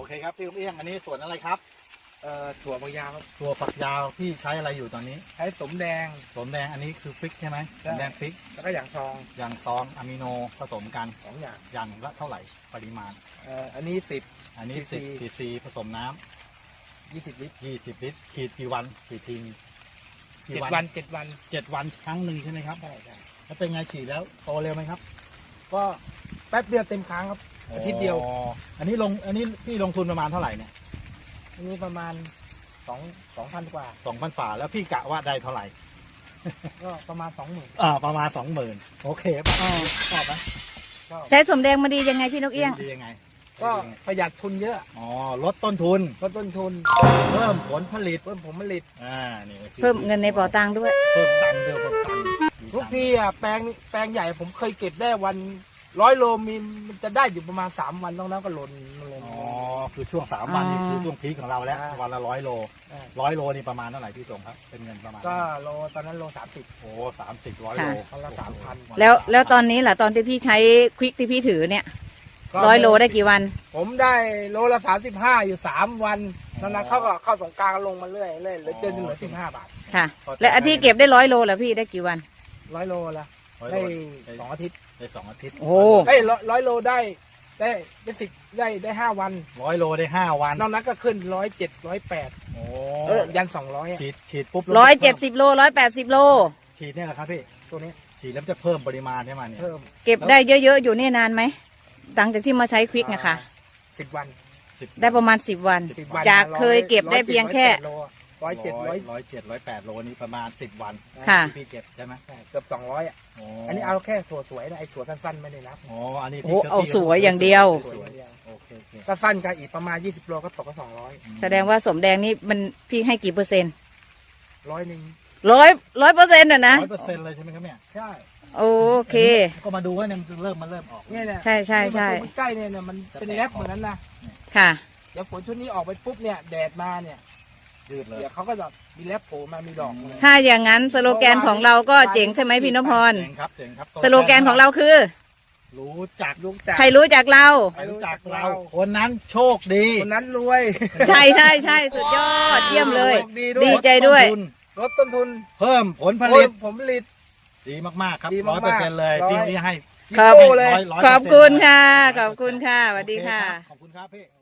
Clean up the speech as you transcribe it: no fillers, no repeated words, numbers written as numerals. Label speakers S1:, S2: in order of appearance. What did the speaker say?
S1: เคครับพี่ลูกเอี้ยงอันนี้สวนอะไรครับ
S2: ถั่วฝักยาวครับ
S1: ถั่วฝักยาวพี่ใช้อะไรอยู่ตอนนี้
S2: ใช้สมแดง
S1: อันนี้คือฟิกใช่ไหมสมแดงฟิก
S2: แล้วก็อย่างซอง
S1: อย่างซองอะมิโนผสมกัน
S2: 2 อย่าง
S1: อย่างละเท่าไหร่ปริมาณ
S2: อันนี้10
S1: อันนี้10 cc ผสมน้
S2: ำ20 ลิตร
S1: 20 ลิตรขีดกี่วันขีดทิ้ง
S2: 7 วัน
S1: 7 วันครั้งหนึ่งใช่ไหมครับ
S2: ใช่
S1: แล้วเป็นไงฉีดแล้วโตเร็วไหมครับ
S2: ก็แป๊บเดียวเต็มครั้งครับอาทิตย์เดียว
S1: อันนี้พี่ลงทุนประมาณเท่าไหร่เนี่ย
S2: อันนี้ประมาณ2,000 กว่า
S1: 2,000 ฝ่าแล้วพี่กะว่าได้เท่าไหร่
S2: ก็ประมาณ 20,000
S1: ประมาณ 20,000โอเคชอบไหม
S3: ใช้สมแดงมาดียังไงพี่นกเอี้ยง
S1: ดียังไง
S2: ก็ประหยัดทุนเยอะ
S1: ลดต้นทุน
S2: เ
S1: พิ่มผลผลิต
S3: นี่เพิ่มเงินในเป๋าตังค์ด้วย
S1: เพิ่มตังค์
S2: ทุกทีแปลงใหญ่ผมเคยเก็บได้วัน100 โลมันจะได้อยู่ประมาณ3 วันต้องนั้นก็หล่น
S1: คือช่วง3 วันนี่คือช่วงพีคของเราแล้ววันละ100 โล100 โลนี่ประมาณเท่าไหร่พี่ส่งครับเป็นเงินประมาณ
S2: ก็โลตอนนั้นโล30
S1: 30 100 โล
S2: วันละ 3,000
S3: แล้วตอนนี้ล่ะตอนที่พี่ใช้ควิกที่พี่ถือเนี่ย100 โลได้กี่วัน
S2: ผมได้โลละ35อยู่3 วันนั้นเขาก็เข้าสงกรานต์ลงมาเรื่อยเหลือเกินเหลือ15 บาท
S3: ค่ะแล้วอาทิตย์เก็บได้100 โลแล้วพี่ได้กี่วัน
S2: 100 โลละได้2 อาทิตย์
S1: ได้2 อาทิตย์
S3: โอ้
S2: 100 โลได้10ได้5 วัน
S1: 100 โลได้5 วัน
S2: นอกนั้นก็ขึ้น107 108ยัน200
S1: ฉีดปุ๊บ
S3: 170 โล180 โล
S1: ฉีดเนี่ยแหละครับพี่
S2: ตัวนี้
S1: ฉีดแล้วจะเพิ่มปริมาณใช่ไหมเนี่ย
S3: เก็บได้เยอะๆอยู่นี่นานไหมหลังจากที่มาใช้ควิกนะคะ
S2: 10 วัน
S3: ได้ประมาณ10 วันจากเคยเก็บได้เพียงแค่
S2: 107
S1: 108 โลนี้ประมาณ10 วันที่พี่เก็บใช่ไหม
S2: เกือบ200อันนี้เอาแค่ถั่วสวยนะไอ้ถั่วสั้นๆไม่ได้นับ
S1: อันนี้
S3: เอาสวยอย่างเดียว
S2: ถ้าสั้นก็อีกประมาณ20 โลก็ตกก็200
S3: แสดงว่าสมแดงนี่มันพี่ให้กี่เปอร์เซ็นต์
S2: 100%
S3: 100%อ่ะนะ
S1: 100%เลยใช่ไหมครับเนี่ย
S2: ใช่
S3: โอเค
S1: ก็มาดูว่าเนี่ยมันเริ่มออก
S2: เนี่ย
S3: ใช่ใ
S2: กล้เนี่ยมันเป็นแรปเหมือนนั้นนะ
S3: ค่ะ
S2: เดี๋ยวฝนชุดนี้ออกไปปุ๊บเนี่ยแดดมาเนี่ย
S1: ยืดเลย
S2: เดี๋ยวเขาก็จะมีแรปโผล่มามีดอก
S3: ถ้าอย่างนั้นสโลแกนของเราก็เจ๋งใช่ไหมพี่นพพรสโลแกนของเราคือ
S1: รู้จัก
S3: ใครรู้จักเรา
S1: คนนั้นโชคดี
S2: คนนั้นรวย
S3: ใช่สุดยอดเยี่ยมเลยดีใจด้วย
S2: ลดต้นทุน
S1: เพิ่มผลผลิตดีมากๆครับ100%เลยพี่นี้ให้
S3: ขอบคุณค่ะสวัสดีค่ะ
S1: ขอบคุณครับพี่